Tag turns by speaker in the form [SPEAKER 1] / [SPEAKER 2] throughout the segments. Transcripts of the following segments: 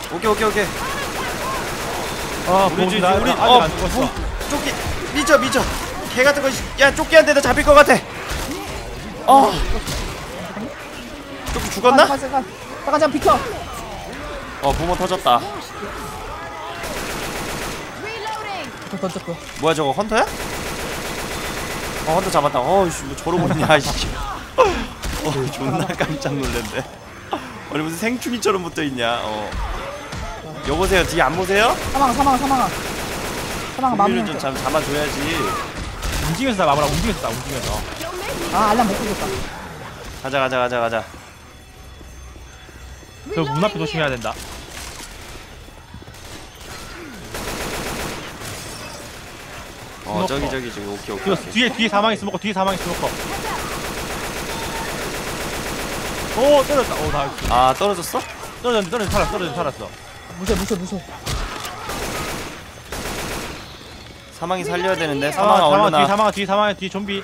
[SPEAKER 1] 오케이 오케이 오케이.
[SPEAKER 2] 우리
[SPEAKER 1] 우리
[SPEAKER 2] 안 죽었어.
[SPEAKER 1] 쪼끼 미쳐. 개 같은 거. 야 쪼끼한테 잡힐 것 같아. 쪼끼 죽었나?
[SPEAKER 3] 잠깐 비켜.
[SPEAKER 1] 부모 터졌다.
[SPEAKER 3] 던졌고.
[SPEAKER 1] 뭐야 저거 헌터야? 헌터 잡았다. 어이씨 뭐 저러고 있냐 씨. 존나 깜짝 놀랐네. 아니 무슨 생충이처럼 붙어있냐. 여보세요 뒤에 안 보세요?
[SPEAKER 3] 사망아 마무리
[SPEAKER 1] 좀 잡아줘야지.
[SPEAKER 2] 움직여서 마무라. 움직여서.
[SPEAKER 3] 알람 못 끄겠다.
[SPEAKER 1] 가자.
[SPEAKER 2] 저 문 앞에 조심해야 된다.
[SPEAKER 1] 저기 오케이.
[SPEAKER 2] 뒤에 사망이 스모커. 오 떨어졌다. 나
[SPEAKER 1] 떨어졌어?
[SPEAKER 2] 떨어졌는데 살았어.
[SPEAKER 3] 무시해.
[SPEAKER 1] 사망이 살려야 되는데. 사망아 얼른
[SPEAKER 2] 뒤에 사망아 뒤에 좀비.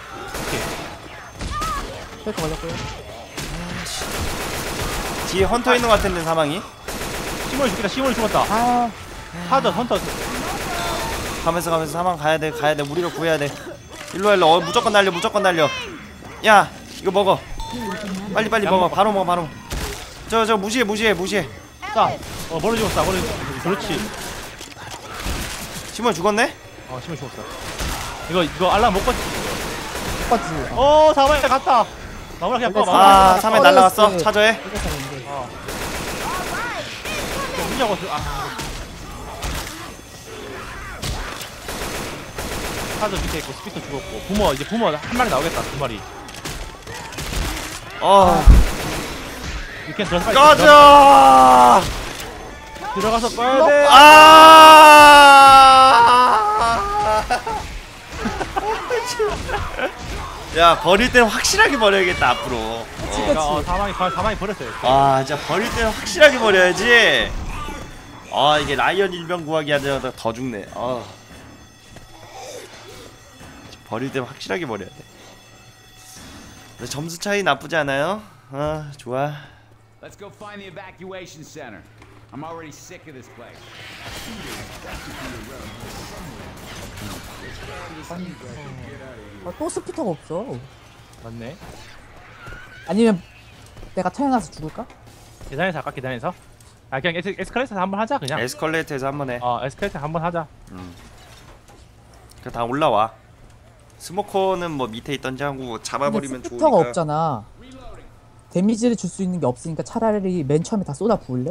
[SPEAKER 3] 펠트 걸렸고요.
[SPEAKER 1] 뒤에 헌터 있는 것 같은데 사망이?
[SPEAKER 2] 시몬이 죽었다. 헌터.
[SPEAKER 1] 가면서 사망 가야 돼. 우리가 구해야 돼. 일로. 무조건 날려. 야 이거 먹어. 빨리 먹어. 바로 먹어. 저 무시해.
[SPEAKER 2] 자, 머리 죽었어. 그렇지.
[SPEAKER 1] 시몬 죽었네?
[SPEAKER 2] 시몬 죽었어. 이거 알람 못 껐지?
[SPEAKER 3] 못 봤지.
[SPEAKER 2] 사망이 갔다. 마무라 그냥 꺼.
[SPEAKER 1] 사망이 날라갔어. 차저해.
[SPEAKER 2] 사저 밑에 있고 스피터 죽었고 부모 한 마리 나오겠다. 2마리. 이렇게 들어서
[SPEAKER 1] 꺼져.
[SPEAKER 2] 들어가서 꺼야 돼.
[SPEAKER 1] 야 버릴 때는 확실하게 버려야겠다 앞으로.
[SPEAKER 2] 사망이 버렸어요.
[SPEAKER 1] 진짜 버릴 때는 확실하게 버려야지. 이게 라이언 일병 구하기 하다가 더 죽네. 버릴 때는 확실하게 버려야 돼. 근데 점수 차이 나쁘지 않아요? 좋아.
[SPEAKER 4] Let's go find the evacuation center. I'm already sick of this place.
[SPEAKER 3] 또 스피터가 없어.
[SPEAKER 2] 맞네.
[SPEAKER 3] 아니면 내가 태어나서 죽을까?
[SPEAKER 2] 계단에서 할까? 계단에서? 그냥 에스컬레이터에서 한번 하자 그냥.
[SPEAKER 1] 에스컬레이터에서 한번 해.
[SPEAKER 2] 에스컬레이터 한번 하자.
[SPEAKER 1] 그냥 다 올라와. 스모커는 뭐 밑에 있던지 하고 잡아버리면 좋으니까.
[SPEAKER 3] 스피터가 없잖아. 데미지를 줄 수 있는 게 없으니까 차라리 맨 처음에 다 쏟아 부을래?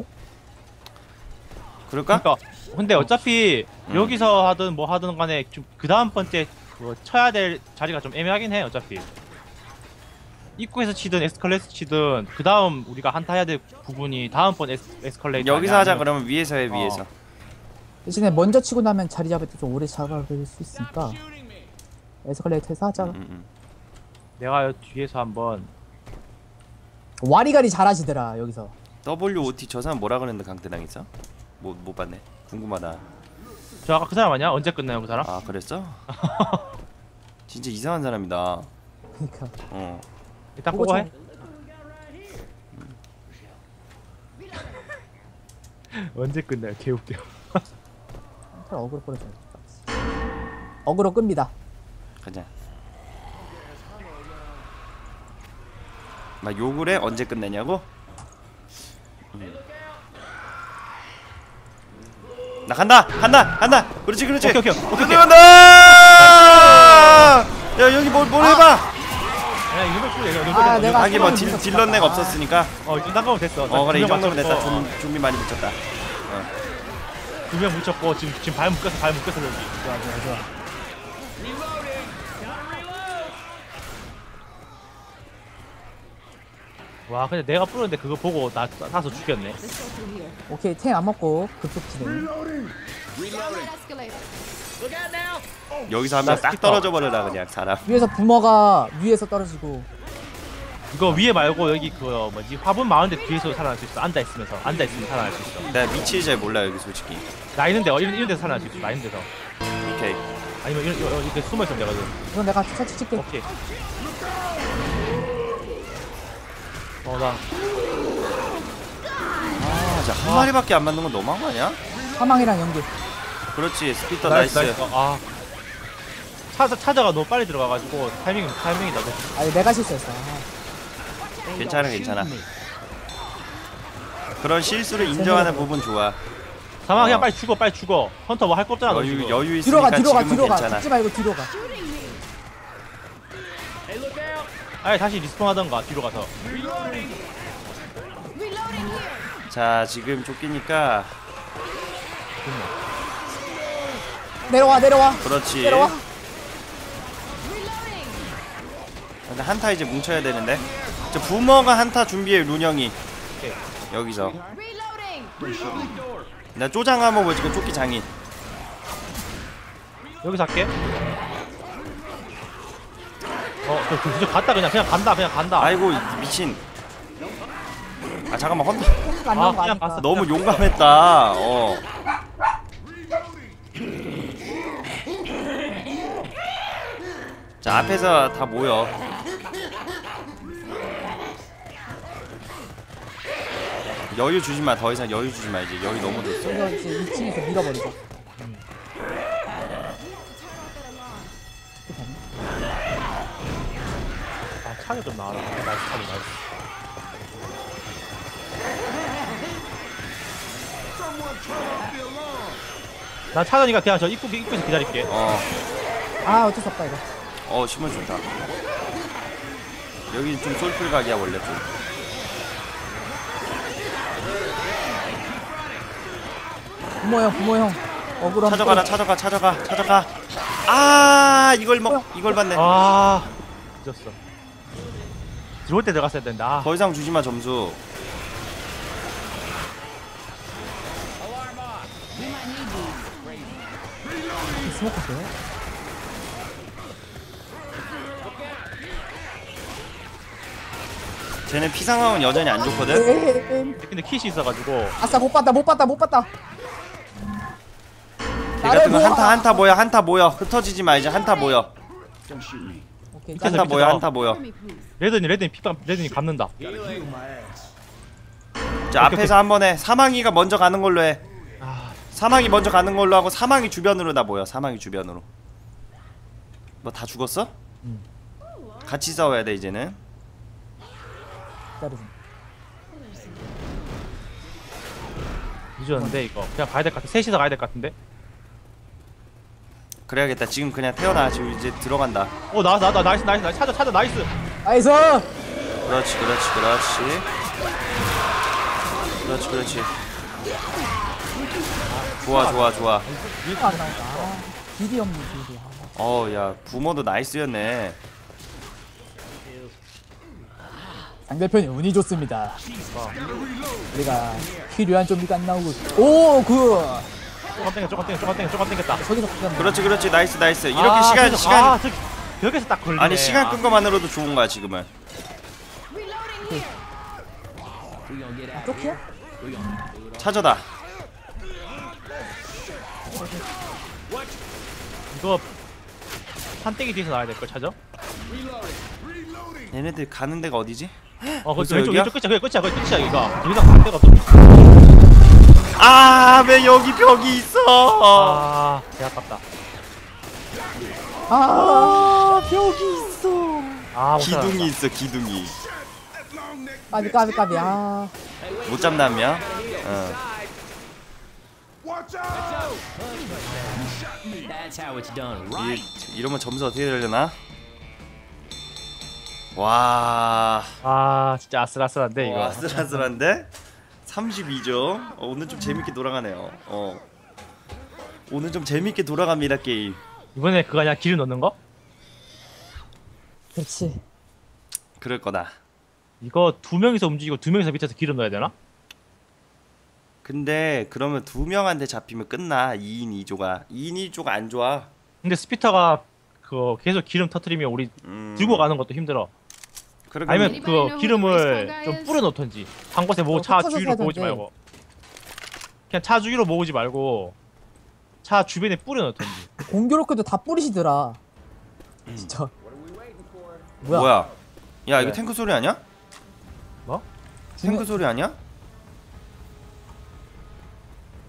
[SPEAKER 1] 그럴까?
[SPEAKER 2] 근데 어차피 여기서 하든 뭐 하든 간에 좀 그 다음 번째 쳐야 될 자리가 좀 애매하긴 해. 어차피 입구에서 치든 에스컬레이터 치든 그 다음 우리가 한타 해야 될 부분이 다음번 에스컬레이터.
[SPEAKER 1] 여기서 하자. 그러면 위에서 해. 위에서.
[SPEAKER 3] 대신에 먼저 치고 나면 자리 잡을 때 좀 오래 잡아볼 수 있으니까 에스컬레이터에서 하자.
[SPEAKER 2] 내가 뒤에서 한번.
[SPEAKER 3] 와리가리 잘하시더라 여기서.
[SPEAKER 1] WOT 저 사람 뭐라 그랬는데 강대당 있어? 못 봤네. 궁금하다.
[SPEAKER 2] 저 아까 그 사람 아니야? 언제 끝나요 그 사람?
[SPEAKER 1] 그랬어? 진짜 이상한 사람이다.
[SPEAKER 3] 그러니까.
[SPEAKER 2] 일단 보고 해. 언제 끝나요? 개웃겨.
[SPEAKER 3] 어그로 끌어줘. 어그로 끕니다.
[SPEAKER 1] 가자. 막 욕을 해? 언제 끝내냐고? 나 간다! 그렇지
[SPEAKER 2] 오케이.
[SPEAKER 1] 간다! 야 여기 뭘 해봐!
[SPEAKER 3] 내가
[SPEAKER 1] 하긴 뭐 딜런내가 없었으니까.
[SPEAKER 2] 이 정도면 됐어.
[SPEAKER 1] 그래 이 정도면 됐다. 좀비 많이 붙였다.
[SPEAKER 2] 2명 묻혔고 지금 발 묶여서 여기.
[SPEAKER 3] 좋아.
[SPEAKER 2] 와 근데 내가 뿌렸는데 그거 보고 나서 죽였네.
[SPEAKER 3] 오케이 탱 안 먹고 급속 진행.
[SPEAKER 1] 여기서 하면 딱 떨어져 버려라 그냥 사람.
[SPEAKER 3] 위에서 부모가 위에서 떨어지고.
[SPEAKER 2] 이거 위에 말고 여기 화분 많은데 뒤에서 살아날 수 있어. 앉아있으면 살아날 수 있어.
[SPEAKER 1] 내가 위치 잘 몰라 여기 솔직히.
[SPEAKER 2] 나 있는데 이런 데서 살아날 수 있어. 나 있는 데서.
[SPEAKER 1] 오케이.
[SPEAKER 2] 아니면 이렇게 숨어있으면 되거든.
[SPEAKER 3] 이건 내가 차치 칠게.
[SPEAKER 2] 오케이. 나
[SPEAKER 1] 진짜 한 마리밖에 안 맞는 건 너무한 거 아니야?
[SPEAKER 3] 사망이랑 연계.
[SPEAKER 1] 그렇지 스피터 나이스.
[SPEAKER 2] 아 차저가 너무 빨리 들어가가지고 타이밍이 나도.
[SPEAKER 3] 아니 내가 실수했어.
[SPEAKER 1] 괜찮아. 그런 실수를 인정하는 부분 좋아.
[SPEAKER 2] 사망 그냥 빨리 죽어. 헌터 뭐 할 거 없잖아. 너 지금.
[SPEAKER 1] 여유
[SPEAKER 3] 뒤로 가
[SPEAKER 1] 있으니까 지금은
[SPEAKER 3] 뒤로 가.
[SPEAKER 1] 괜찮아.
[SPEAKER 3] 죽지 말고 뒤로 가.
[SPEAKER 2] 아예 다시 리스폰 하던가 뒤로 가서.
[SPEAKER 1] 자 지금 쫓기니까
[SPEAKER 3] 내려와.
[SPEAKER 1] 그렇지.
[SPEAKER 3] 내려와.
[SPEAKER 1] 근데 한타 이제 뭉쳐야 되는데. 저 부모가 한타 준비해 룬형이. 여기서. 나 쪼장하면 뭐 지금 쫓기 장인.
[SPEAKER 2] 여기서 할게. 저 갔다 그냥 간다.
[SPEAKER 1] 아이고 미친. 아 잠깐만 헌터
[SPEAKER 3] 안 나온 거
[SPEAKER 2] 그냥
[SPEAKER 3] 아니까.
[SPEAKER 2] 갔어.
[SPEAKER 1] 너무 용감했다. 자 앞에서 다 모여. 여유 주지 마. 더 이상 여유 주지 마. 이제 여유 너무 됐어.
[SPEAKER 3] 그래서 이제 2층에서 밀어버리자.
[SPEAKER 2] 차가 좀 나와라. 나이스. 난 차전이가 그냥 저 입구에서 기다릴게.
[SPEAKER 3] 아 어쩔 수 없다 이거.
[SPEAKER 1] 신문 좋다. 여기 좀 솔플 각이야 원래 좀.
[SPEAKER 3] 부모 형. 억울함.
[SPEAKER 1] 찾아가. 아 이걸 받네.
[SPEAKER 2] 늦었어. 들어올 때 들어갔어야 된다.
[SPEAKER 1] 더 이상 주지 마 점수.
[SPEAKER 3] 스모크 돼?
[SPEAKER 1] 쟤네 피 상황은 여전히 안 좋거든.
[SPEAKER 2] 근데 kit이 있어가지고.
[SPEAKER 3] 아싸 못 봤다.
[SPEAKER 1] 걔 같은 거 한타 모여. 흩어지지 마 이제 한타 모여.
[SPEAKER 3] 오케이.
[SPEAKER 2] 밑에서
[SPEAKER 1] 한타 모여.
[SPEAKER 2] 레드니 감는다.
[SPEAKER 1] 자 앞에서 한 번에 사망이가 먼저 가는 걸로 해. 사망이 먼저 가는 걸로 하고 사망이 주변으로 다 모여. 사망이 주변으로. 뭐 다 죽었어? 같이 싸워야 돼 이제는.
[SPEAKER 3] 기다려.
[SPEAKER 2] 늦었는데 이거 그냥 가야 될 것 같아. 셋이서 가야 될 것 같은데.
[SPEAKER 1] 그래야겠다. 지금 그냥 태어나. 지금 이제 들어간다.
[SPEAKER 2] 나왔어. 나이스. 찾아 나이스.
[SPEAKER 3] 나이스.
[SPEAKER 1] 그렇지. 좋아.
[SPEAKER 3] 안 나온다. 길이 없는 길이.
[SPEAKER 1] 야 부모도 나이스였네.
[SPEAKER 3] 상대편이 운이 좋습니다. 우리가 필요한 좀비가 안 나오고. 오
[SPEAKER 2] 조금 땡겼다.
[SPEAKER 3] 저기서 그냥
[SPEAKER 1] 그렇지. 나이스. 이렇게 시간.
[SPEAKER 2] 여기서 딱 걸리네.
[SPEAKER 1] 아니 시간 끈 거만으로도 좋은 거야 지금은.
[SPEAKER 3] 쪽이야?
[SPEAKER 1] 찾아다.
[SPEAKER 2] 이거 판때기 뒤에서 나와야 될 걸 찾아?
[SPEAKER 1] 얘네들 가는 데가 어디지?
[SPEAKER 2] 그렇죠.
[SPEAKER 1] 여기야?
[SPEAKER 2] 왼쪽 끝이야 이거. 더 이상 갈 데가 없어.
[SPEAKER 1] 왜 여기 벽이 있어?
[SPEAKER 2] 개 아깝다.
[SPEAKER 3] 벽이 있어.
[SPEAKER 1] 기둥이 있어 기둥이.
[SPEAKER 3] 까비.
[SPEAKER 1] 못 잡나면?
[SPEAKER 4] That's how it's done, right?
[SPEAKER 1] 이러면 점수 어떻게 되려나? 와.
[SPEAKER 2] 진짜 아슬아슬한데 이거.
[SPEAKER 1] 아슬아슬한데? 32점. 오늘 좀 재밌게 돌아가네요. 오늘 좀 재밌게 돌아갑니다 게임.
[SPEAKER 2] 이번에 그거 아니야? 기름 넣는 거?
[SPEAKER 3] 그렇지.
[SPEAKER 1] 그럴 거다.
[SPEAKER 2] 이거 2명이서 움직이고 2명이서 밑에서 기름 넣어야 되나?
[SPEAKER 1] 근데 그러면 2명한테 잡히면 끝나. 2인 2조가 2인 2조가 안 좋아.
[SPEAKER 2] 근데 스피터가 그 계속 기름 터트리면 우리 들고 가는 것도 힘들어.
[SPEAKER 1] 그러게.
[SPEAKER 2] 아니면 그 기름을 좀 뿌려 놓던지. 한 곳에 모으고 차
[SPEAKER 3] 흩어져서
[SPEAKER 2] 주위로
[SPEAKER 3] 해야
[SPEAKER 2] 모으지
[SPEAKER 3] 되는데.
[SPEAKER 2] 말고. 그냥 차 주위로 모으지 말고 차 주변에 뿌려 놓던지.
[SPEAKER 3] 공교롭게도 다 뿌리시더라. 진짜.
[SPEAKER 1] 뭐야? 야 이거
[SPEAKER 2] 네.
[SPEAKER 1] 탱크 소리 아니야?
[SPEAKER 2] 뭐?
[SPEAKER 1] 탱크 소리 아니야?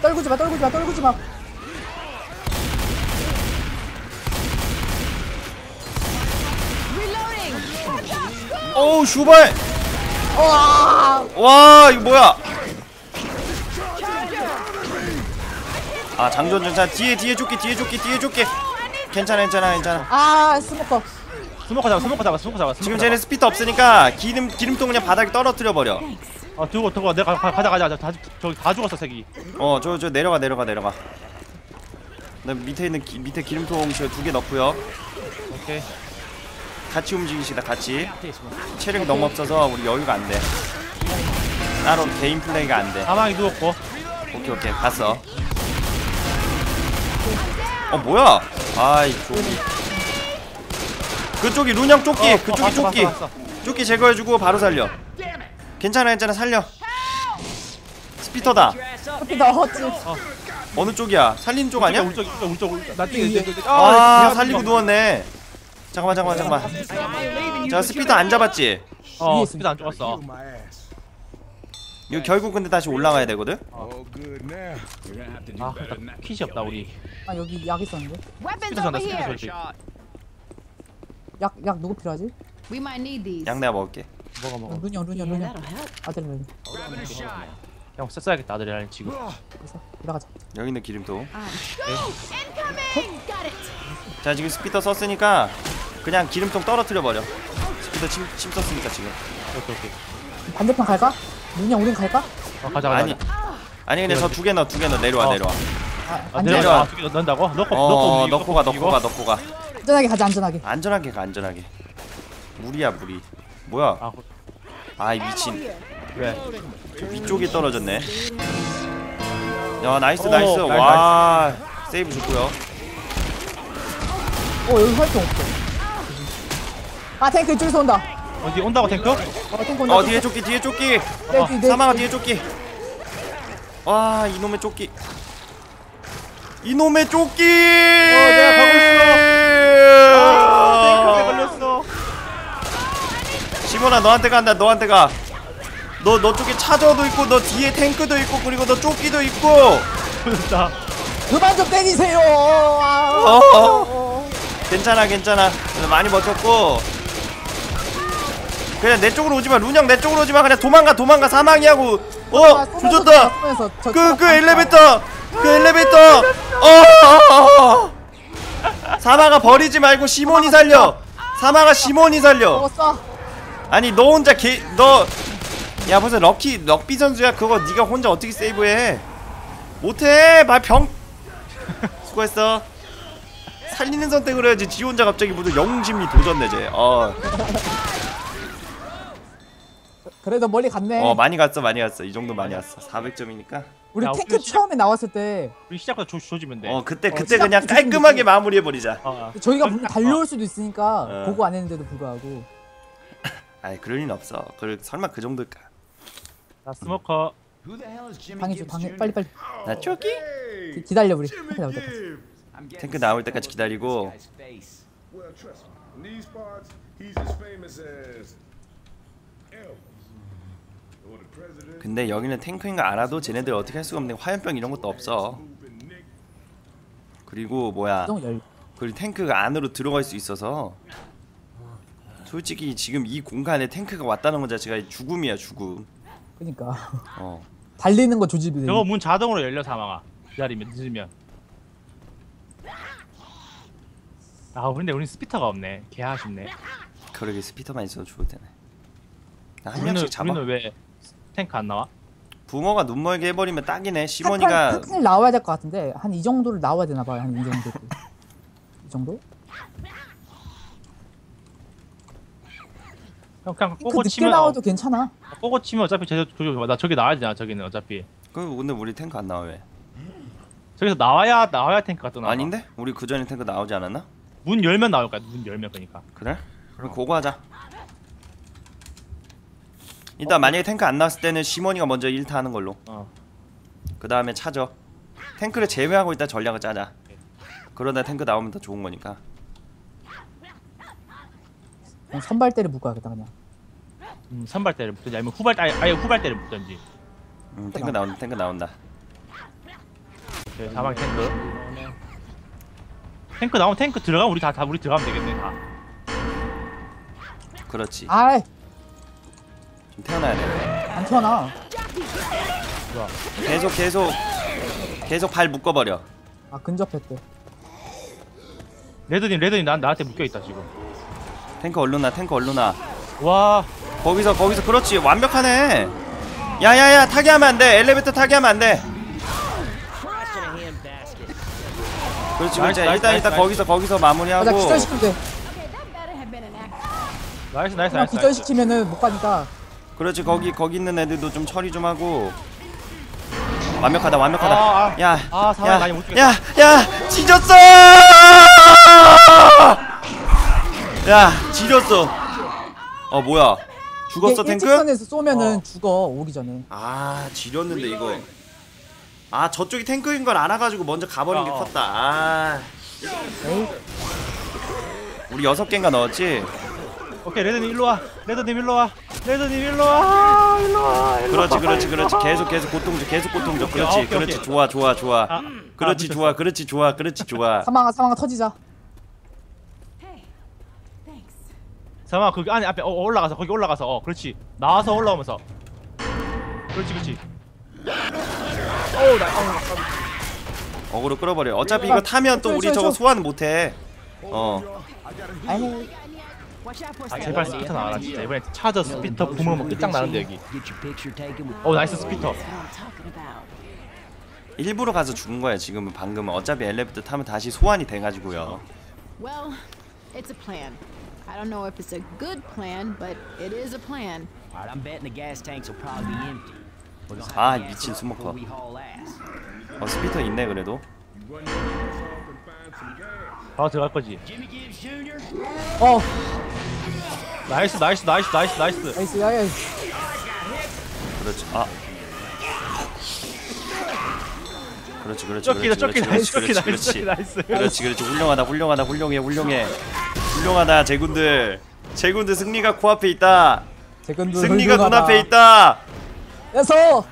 [SPEAKER 3] 떨구지 마, 떨구지 마, 떨구지 마.
[SPEAKER 5] Reloading.
[SPEAKER 1] 어우 슈발.
[SPEAKER 3] 와,
[SPEAKER 1] 와 이거 뭐야? 아 장전 전차 뒤에 조끼 괜찮아.
[SPEAKER 3] 아, 스모커.
[SPEAKER 2] 스모커 잡아.
[SPEAKER 1] 지금 쟤네 스피터 없으니까 기름통 그냥 바닥에 떨어뜨려 버려.
[SPEAKER 2] 두고 내가 가자. 저기 다 죽었어 색이.
[SPEAKER 1] 저 내려가. 나 밑에 있는 밑에 기름통 저 2개 넣고요.
[SPEAKER 2] 오케이.
[SPEAKER 1] 같이 움직이시다 같이. 체력이 너무 없어서 우리 여유가 안 돼. 따로 개인 플레이가 안 돼.
[SPEAKER 2] 사망이 누웠고.
[SPEAKER 1] 오케이 갔어. 뭐야? 아이 조끼. 그쪽이 룬형 조끼. 그쪽이 조끼.
[SPEAKER 2] 봤어.
[SPEAKER 1] 조끼 제거해주고 바로 살려. 괜찮아 살려. 스피터다.
[SPEAKER 3] 커피 넣었지.
[SPEAKER 1] 어느 쪽이야? 살린 쪽 아니야?
[SPEAKER 2] 울적. 나
[SPEAKER 1] 살리고 누웠네. 잠깐만. 자 스피터 안 잡았지?
[SPEAKER 2] 스피드 안 죽었어.
[SPEAKER 1] 이거 결국 근데 다시 올라가야 되거든?
[SPEAKER 4] All good now. You're gonna have to do better than that.
[SPEAKER 2] kit이 없다 우리.
[SPEAKER 3] 아, 여기 약 있었는데.
[SPEAKER 5] Weapons
[SPEAKER 2] 스피드
[SPEAKER 5] over
[SPEAKER 2] 전다 스피드
[SPEAKER 5] here.
[SPEAKER 2] 설치.
[SPEAKER 3] 약 누구 필요하지?
[SPEAKER 5] We might need these.
[SPEAKER 1] 양 내가 먹을게.
[SPEAKER 2] 먹어.
[SPEAKER 3] 루니언.
[SPEAKER 5] That'll help.
[SPEAKER 3] 아들을
[SPEAKER 2] 형 써야겠다 아들이랑 지금.
[SPEAKER 3] 그래서 올라가자.
[SPEAKER 1] 여기 있는 기름통.
[SPEAKER 5] Incoming. Got it.
[SPEAKER 1] 자 지금 스피터 썼으니까 그냥 기름통 떨어뜨려 버려. 스피터 침 썼으니까 지금.
[SPEAKER 2] 오케이.
[SPEAKER 3] 반대편 갈까? 루니언 우린 갈까?
[SPEAKER 2] 가자.
[SPEAKER 1] 아니 근데 저 2개 넣어 내려와.
[SPEAKER 3] 아,
[SPEAKER 1] 내려와.
[SPEAKER 2] 내려와. 두개 넣는다고?
[SPEAKER 1] 넣고 가.
[SPEAKER 3] 안전하게 가자, 안전하게.
[SPEAKER 1] 안전하게. 무리야. 뭐야? 아이 미친.
[SPEAKER 2] 왜?
[SPEAKER 1] 저 위쪽에 떨어졌네. 야 나이스.
[SPEAKER 2] 나이스.
[SPEAKER 1] 와 세이브 좋고요.
[SPEAKER 3] 여기 활동 없어. 아, 탱크 이쪽에서 온다.
[SPEAKER 2] 어디 온다고 탱크?
[SPEAKER 3] 탱크 온다.
[SPEAKER 1] 뒤에 조끼.
[SPEAKER 3] 네.
[SPEAKER 1] 사망아 뒤에 조끼. 와 이놈의 조끼.
[SPEAKER 2] 내가 가고 탱크에 걸렸어.
[SPEAKER 1] 시몬아 너한테 간다. 너 쪽에 차저도 있고 너 뒤에 탱크도 있고 그리고 너 조끼도 있고.
[SPEAKER 2] 걸렸다.
[SPEAKER 3] 그만 좀 때리세요.
[SPEAKER 1] 괜찮아. 많이 버텼고. 그냥 내 쪽으로 오지마. 룬형 내 쪽으로 오지마. 그냥 도망가. 사망이 하고. 조졌다. 그 엘리베이터. 사마가 버리지 말고 시몬이 살려.
[SPEAKER 3] 먹었어.
[SPEAKER 1] 아니 너 혼자 야 무슨 럭비 선수야. 그거 네가 혼자 어떻게 세이브해. 못해. 수고했어. 살리는 선택을 해야지. 지 혼자 갑자기 무슨 영웅심리 도전 내재.
[SPEAKER 3] 그래도 멀리 갔네.
[SPEAKER 1] 많이 갔어. 이 정도 많이 왔어. 400점이니까.
[SPEAKER 3] 우리
[SPEAKER 2] 야,
[SPEAKER 3] 탱크
[SPEAKER 2] 우리
[SPEAKER 3] 처음에 나왔을 때
[SPEAKER 2] 우리 시작부터 조지면 돼.
[SPEAKER 1] 그때
[SPEAKER 3] 시작부터
[SPEAKER 1] 그냥 깔끔하게 마무리해버리자.
[SPEAKER 3] 저희가 분명 달려올 수도 있으니까
[SPEAKER 1] 어.
[SPEAKER 3] 보고 안 했는데도 불구하고.
[SPEAKER 1] 아이 그럴 일 없어. 설마 그 정도일까?
[SPEAKER 2] 나 스모커.
[SPEAKER 4] Who the hell is Jimmy
[SPEAKER 3] 방해줘,
[SPEAKER 4] Gibbs
[SPEAKER 3] 방해.
[SPEAKER 4] Jr.?
[SPEAKER 3] 빨리.
[SPEAKER 1] 나 조끼?
[SPEAKER 3] 기다려 우리. 탱크 나올 때까지.
[SPEAKER 4] I'm getting
[SPEAKER 1] 탱크 나올 때까지
[SPEAKER 4] sick of
[SPEAKER 1] 기다리고.
[SPEAKER 4] this guy's face.
[SPEAKER 6] Well, trust me. In these parts, he's as famous as Elvis. Or the president.
[SPEAKER 1] 근데 여기는 탱크인 거 알아도 쟤네들 어떻게 할 수가 없는 게 화염병 이런 것도 없어.
[SPEAKER 6] Moving Nick.
[SPEAKER 1] 그리고 뭐야?
[SPEAKER 3] 정 열.
[SPEAKER 1] 그리고 탱크가 안으로 들어갈 수 있어서 솔직히 지금 이 공간에 탱크가 왔다는 것 자체가 죽음이야 죽음.
[SPEAKER 3] 그러니까
[SPEAKER 1] 어.
[SPEAKER 3] 달리는 거 조집이 돼.
[SPEAKER 2] 저거 문 자동으로 열려 사망아. 기다리면 늦으면. 근데 우린 스피터가 없네. 개 아쉽네.
[SPEAKER 1] 그러게 스피터만 있어도 좋을 테네. 한
[SPEAKER 2] 우리는
[SPEAKER 1] 명씩 잡아.
[SPEAKER 2] 왜 탱크 안 나와?
[SPEAKER 1] 붕어가 눈멀게 해버리면 딱이네. 시몬이가
[SPEAKER 3] 탱크 나와야 될 것 같은데 한 이 정도를 나와야 되나 봐요. 한 이 정도. 이 정도?
[SPEAKER 2] 그냥
[SPEAKER 3] 탱크
[SPEAKER 2] 꼬고
[SPEAKER 3] 늦게
[SPEAKER 2] 치면
[SPEAKER 3] 나와도 괜찮아.
[SPEAKER 2] 꼬고 치면 어차피 나 저기 나와야 되잖아. 저기는 어차피
[SPEAKER 1] 근데 우리 탱크 안 나와 왜?
[SPEAKER 2] 저기서 나와야 탱크가 또 나와.
[SPEAKER 1] 아닌데? 우리 그 전에 탱크 나오지 않았나?
[SPEAKER 2] 문 열면 나올 거야. 문 열면 그러니까.
[SPEAKER 1] 그래? 그럼 그거 하자. 일단 만약에 탱크 안 나왔을 때는 시몬이가 먼저 1타 하는 걸로. 그 다음에 차죠. 탱크를 제외하고 일단 전략을 짜자. 그러다 탱크 나오면 더 좋은 거니까.
[SPEAKER 3] 그냥 선발대를 묶어야겠다 그냥.
[SPEAKER 2] 선발대를 묶든지 아니면 후발대를 묶든지.
[SPEAKER 1] 탱크 나온다.
[SPEAKER 2] 오케이, 사망 탱크. 탱크 나오면 탱크 들어가면 우리 다 우리 들어가면 되겠네 다.
[SPEAKER 1] 그렇지.
[SPEAKER 3] 아이
[SPEAKER 1] 좀 태어나야 돼.
[SPEAKER 3] 안 튀어나.
[SPEAKER 1] 계속 발 묶어버려.
[SPEAKER 3] 아 근접했대.
[SPEAKER 2] 레드님 나한테 묶여 있다 지금.
[SPEAKER 1] 탱크 얼른 나.
[SPEAKER 2] 와,
[SPEAKER 1] 거기서 그렇지. 완벽하네. 야야야 타게 하면 안 돼. 엘리베이터 타게 하면 안 돼. 그렇지.
[SPEAKER 2] 나이스,
[SPEAKER 1] 일단
[SPEAKER 2] 나이스.
[SPEAKER 1] 거기서
[SPEAKER 3] 아, 나
[SPEAKER 1] 마무리하고.
[SPEAKER 3] 기절시키면 돼.
[SPEAKER 5] Okay, that better have been an accident.
[SPEAKER 2] 나이스.
[SPEAKER 3] 그냥 기절시키면은 못 가니까.
[SPEAKER 1] 그렇지. 거기 있는 애들도 좀 처리 좀 하고. 완벽하다.
[SPEAKER 2] 상황이 많이 못 죽겠다.
[SPEAKER 1] 야 지졌어. 야 지렸어. 뭐야? 죽었어 탱크?
[SPEAKER 3] 일직선에서 쏘면은 죽어 오기 전에.
[SPEAKER 1] 아 지렸는데 이거. 아 저쪽이 탱크인 걸 알아가지고 먼저 가버린 게 컸다. 아
[SPEAKER 3] 에이,
[SPEAKER 1] 우리 6개인가 넣었지?
[SPEAKER 2] 오케이, 레드님 일로 와.
[SPEAKER 1] 그렇지. 계속 고통 줘. 그렇지.
[SPEAKER 2] 오케이.
[SPEAKER 1] 좋아. 그렇지
[SPEAKER 2] 미쳤어.
[SPEAKER 1] 좋아.
[SPEAKER 3] 사망아 터지자.
[SPEAKER 5] Hey, thanks.
[SPEAKER 2] 잠깐만, 거기 안에 앞에 거기 올라가서 그렇지. 나와서 올라오면서. 그렇지.
[SPEAKER 1] 어그로 끌어버려. 어차피 이거 타면 또 우리 저거 소환 못해.
[SPEAKER 3] 아이
[SPEAKER 5] Watch out for
[SPEAKER 2] 아
[SPEAKER 5] some.
[SPEAKER 2] 제발 스피터 나와라 진짜. 이번에 차저 스피터 부으면 끝장나는데 여기. 나이스 스피터.
[SPEAKER 5] That's what I'm talking about.
[SPEAKER 1] 일부러 가서 죽은 거야 지금은. 방금은 어차피 엘리베이터 타면 다시 소환이 돼가지고요.
[SPEAKER 5] Well, it's a plan. I don't know if it's a good plan, but it is a plan.
[SPEAKER 7] Alright, I'm betting the gas tanks will probably be empty. We're gonna
[SPEAKER 1] 아
[SPEAKER 7] have gas
[SPEAKER 1] 미친
[SPEAKER 7] before
[SPEAKER 1] 스모커.
[SPEAKER 7] we haul ass.
[SPEAKER 1] 스피터 있네 그래도.
[SPEAKER 6] Run your ass off and find some gas.
[SPEAKER 2] 바로 들어갈 거지.
[SPEAKER 7] Jimmy Gibbs Jr.
[SPEAKER 2] 나이스.
[SPEAKER 3] 나이스 야야.
[SPEAKER 1] 그렇지. 그렇지. 그렇지. 훌륭하다 제군들. 승리가 코앞에 있다. 승리가 눈앞에 있다.
[SPEAKER 3] 야서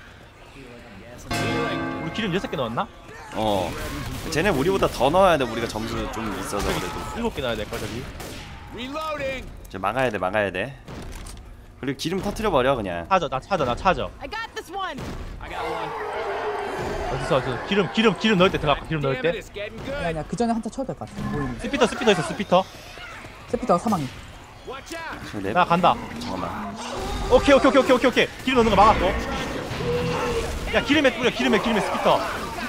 [SPEAKER 2] 우리 기름 6개 넣었나?
[SPEAKER 1] 쟤네 우리보다 더 넣어야 돼. 우리가 점수 좀 있어서 그래도.
[SPEAKER 2] 7개 넣어야 될 거야 저기.
[SPEAKER 1] 이제 막아야 돼. 그리고 기름 터트려 버려 그냥.
[SPEAKER 2] 나 차저.
[SPEAKER 5] I got this one.
[SPEAKER 2] 어디서 기름 넣을 때 들어가. 기름 넣을 때.
[SPEAKER 3] 아니야 그 전에 한타 쳐야 될 것 같아. 보이는.
[SPEAKER 2] 스피터 있어.
[SPEAKER 3] 스피터 사망이.
[SPEAKER 2] 나 간다.
[SPEAKER 1] 잠깐만.
[SPEAKER 2] 오케이. 기름 넣는 거 막았고. 야 기름에 뿌려. 기름에 스피터.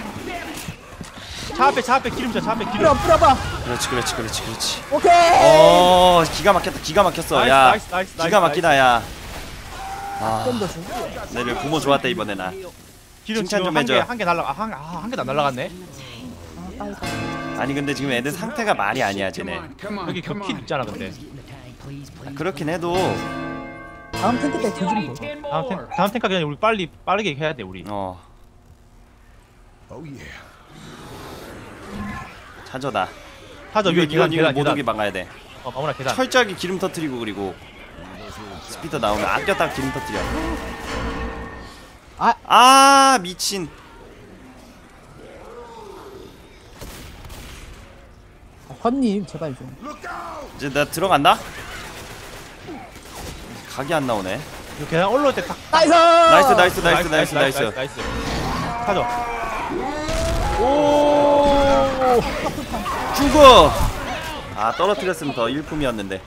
[SPEAKER 2] 차 앞에 기름 줘.
[SPEAKER 3] 뿌려봐.
[SPEAKER 1] 그렇지.
[SPEAKER 3] 오케이.
[SPEAKER 1] 기가 막혔어. 야.
[SPEAKER 2] 나이스.
[SPEAKER 1] 기가 막히다 야.
[SPEAKER 3] 좀 더 주고.
[SPEAKER 1] 내를 부모 좋았다 이번에 나.
[SPEAKER 2] 기름
[SPEAKER 1] 칭찬
[SPEAKER 2] 지금
[SPEAKER 1] 좀 해줘.
[SPEAKER 2] 한 개도 안 날라갔네.
[SPEAKER 1] 아니 근데 지금 애들 상태가 말이 아니야 쟤네.
[SPEAKER 4] Come on,
[SPEAKER 2] 여기
[SPEAKER 4] come
[SPEAKER 2] 킬
[SPEAKER 4] on.
[SPEAKER 2] 있잖아 근데.
[SPEAKER 1] 그렇긴 해도
[SPEAKER 3] 다음 탱크 때 뒤지는 거.
[SPEAKER 2] 다음 탱크 그냥 우리 빠르게 해야 돼 우리.
[SPEAKER 6] Oh yeah.
[SPEAKER 1] 찾아다.
[SPEAKER 2] 타저 위에
[SPEAKER 1] 이건
[SPEAKER 2] 계단.
[SPEAKER 1] 못 오게 막아야 돼.
[SPEAKER 2] 마무나 계단.
[SPEAKER 1] 철저하게 기름 터트리고 그리고 스피터 나오면 아꼈다가 기름 터트려. 아 미친.
[SPEAKER 3] 헌님 제발 좀.
[SPEAKER 1] 이제 나 들어간다. 각이 안 나오네.
[SPEAKER 2] 이거 계단 올라올 때 딱.
[SPEAKER 3] 나이스.
[SPEAKER 1] 나이스.
[SPEAKER 2] 타저.
[SPEAKER 1] 죽어. 아 떨어뜨렸으면 더 일품이었는데.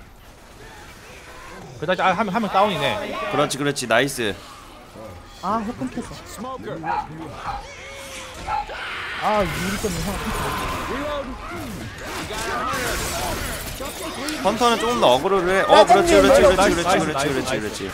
[SPEAKER 2] 그다지 한명 다운이네.
[SPEAKER 1] 그렇지 나이스.
[SPEAKER 3] 아 혁금 켰어. 아 유리 때문에 형.
[SPEAKER 1] 헌터는 조금 더 어그로를 해. 그렇지.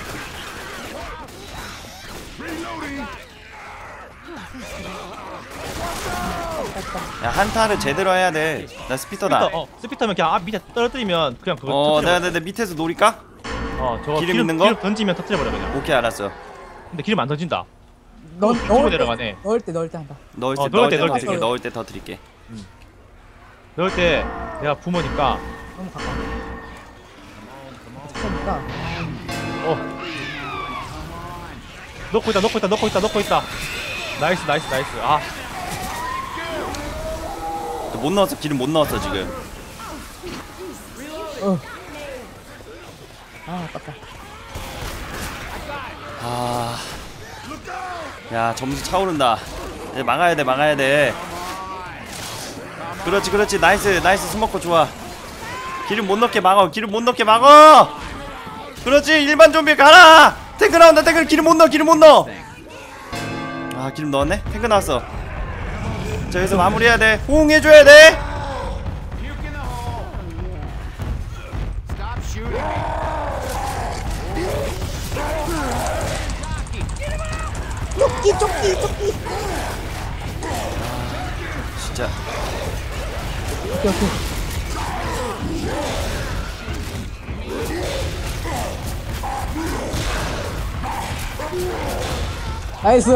[SPEAKER 1] 야 한타를 제대로 해야 돼. 나 스피터다.
[SPEAKER 2] 스피터면 그냥 밑에 떨어뜨리면 그냥 그거 터뜨려.
[SPEAKER 1] 내가 밑에서 노릴까?
[SPEAKER 2] 저거
[SPEAKER 1] 기름 있는 거?
[SPEAKER 2] 기름 던지면 터뜨려버려 그냥.
[SPEAKER 1] 오케이 알았어.
[SPEAKER 2] 근데 기름 안 던진다.
[SPEAKER 3] 넣을
[SPEAKER 2] 내려가네.
[SPEAKER 3] 때 한다.
[SPEAKER 1] 넣을 때 더 드릴게.
[SPEAKER 2] 넣을 때 내가 부모니까.
[SPEAKER 3] 너무 가까워. 차니까.
[SPEAKER 2] 넣고 있다. 나이스.
[SPEAKER 1] 못 넣었어. 기름 못 넣었어 지금.
[SPEAKER 3] 아깝다.
[SPEAKER 1] 아, 야 점수 차오른다. 이제 막아야 돼, 막아야 돼. 그렇지, 그렇지. 나이스, 나이스. 스모커 좋아. 기름 못 넣게 막어. 기름 못 넣게 막어. 그렇지. 일반 좀비 가라. 탱크 나온다. 탱크 기름 못 넣어. 기름 못 넣어. 아, 기름 넣었네. 탱크 나왔어. 자, 여기서 마무리해야 돼. 호응해줘야 돼.
[SPEAKER 4] Stop shooting.
[SPEAKER 3] 조끼.
[SPEAKER 1] 진짜.
[SPEAKER 3] 오케이. 나이스.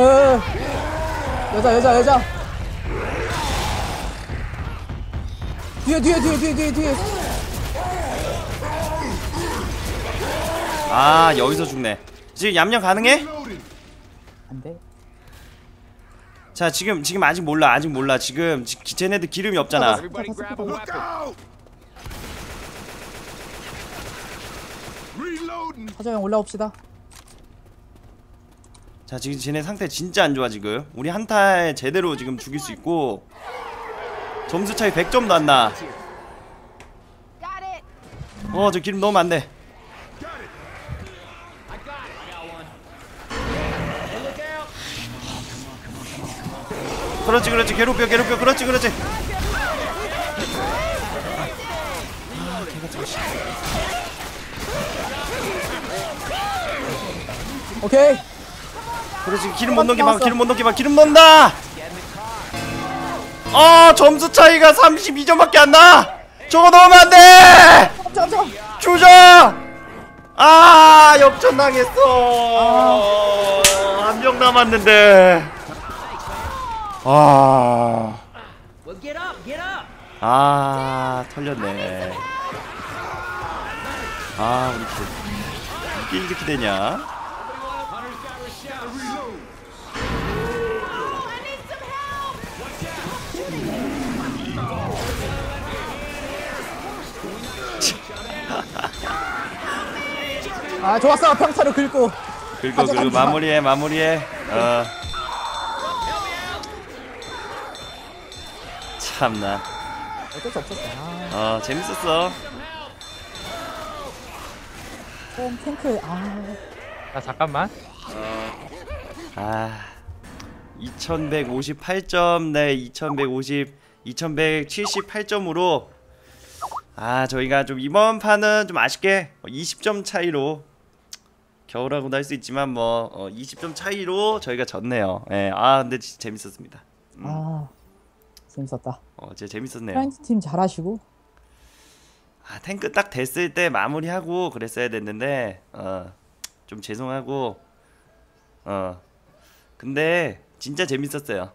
[SPEAKER 3] 여자. 뒤에.
[SPEAKER 1] 아, 여기서 죽네. 지금 얌얌 가능해?
[SPEAKER 3] 안 돼.
[SPEAKER 1] 자, 지금 아직 몰라. 지금 쟤네들 기름이 없잖아.
[SPEAKER 4] Everybody grab a
[SPEAKER 6] Look
[SPEAKER 4] weapon.
[SPEAKER 6] out! Reloading.
[SPEAKER 3] 사정형 올라옵시다.
[SPEAKER 1] 자, 지금 쟤네 상태 진짜 안 좋아 지금. 우리 한타에 제대로 지금 죽일 수 있고 점수 차이 100점도 안 나.
[SPEAKER 5] Got it.
[SPEAKER 1] 저 기름 넣으면 안 돼. 그렇지. 괴롭혀. 그렇지.
[SPEAKER 3] 오케이.
[SPEAKER 1] 그렇지. 기름 못 넣게 막. 기름 넣는다. 점수 차이가 32점밖에 안 나. 저거 넣으면 안 돼.
[SPEAKER 3] 깜짝.
[SPEAKER 1] 주저. 역전당했어. 한 명 남았는데.
[SPEAKER 7] Well, get up.
[SPEAKER 1] 털렸네. 우리 이게 이렇게 되냐?
[SPEAKER 3] 좋았어. 평타로 긁고.
[SPEAKER 1] 그리고 마무리해. 참나.
[SPEAKER 3] 어쩔 수 없었어.
[SPEAKER 1] 재밌었어.
[SPEAKER 3] 탱크.
[SPEAKER 2] 자 잠깐만.
[SPEAKER 1] 2158점 네 2178점으로 저희가 좀 이번 판은 좀 아쉽게 20점 차이로 겨울하고도 할 수 있지만 20점 차이로 저희가 졌네요. 근데 진짜 재밌었습니다.
[SPEAKER 3] 재밌었다.
[SPEAKER 1] 진짜 재밌었네요.
[SPEAKER 3] 프렌즈 팀 잘하시고.
[SPEAKER 1] 탱크 딱 됐을 때 마무리하고 그랬어야 됐는데 좀 죄송하고 근데 진짜 재밌었어요.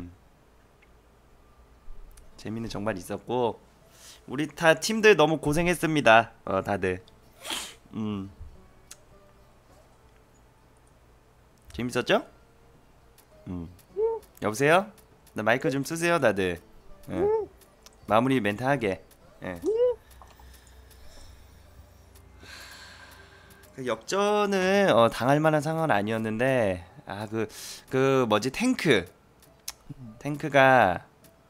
[SPEAKER 1] 재미는 정말 있었고 우리 다 팀들 너무 고생했습니다. 다들 재밌었죠? 여보세요? 나 마이크 좀 쓰세요 다들. 마무리 멘트 하게. 역전은 당할 만한 상황은 아니었는데 그 뭐지 탱크가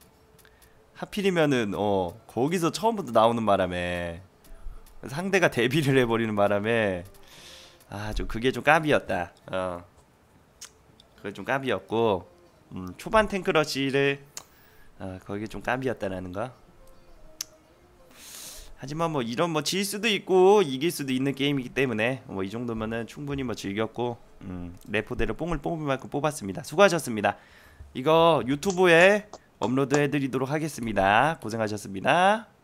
[SPEAKER 1] 하필이면은 거기서 처음부터 나오는 바람에 상대가 데뷔를 해버리는 바람에 좀 그게 좀 까비였다. 그게 좀 까비였고 초반 탱크러시를 거기에 좀 까비였다라는 거. 하지만 이런 질 수도 있고 이길 수도 있는 게임이기 때문에 이 정도면은 충분히 즐겼고 레포대로 뽕을 뽑을 만큼 뽑았습니다. 수고하셨습니다. 이거 유튜브에 업로드 해드리도록 하겠습니다. 고생하셨습니다.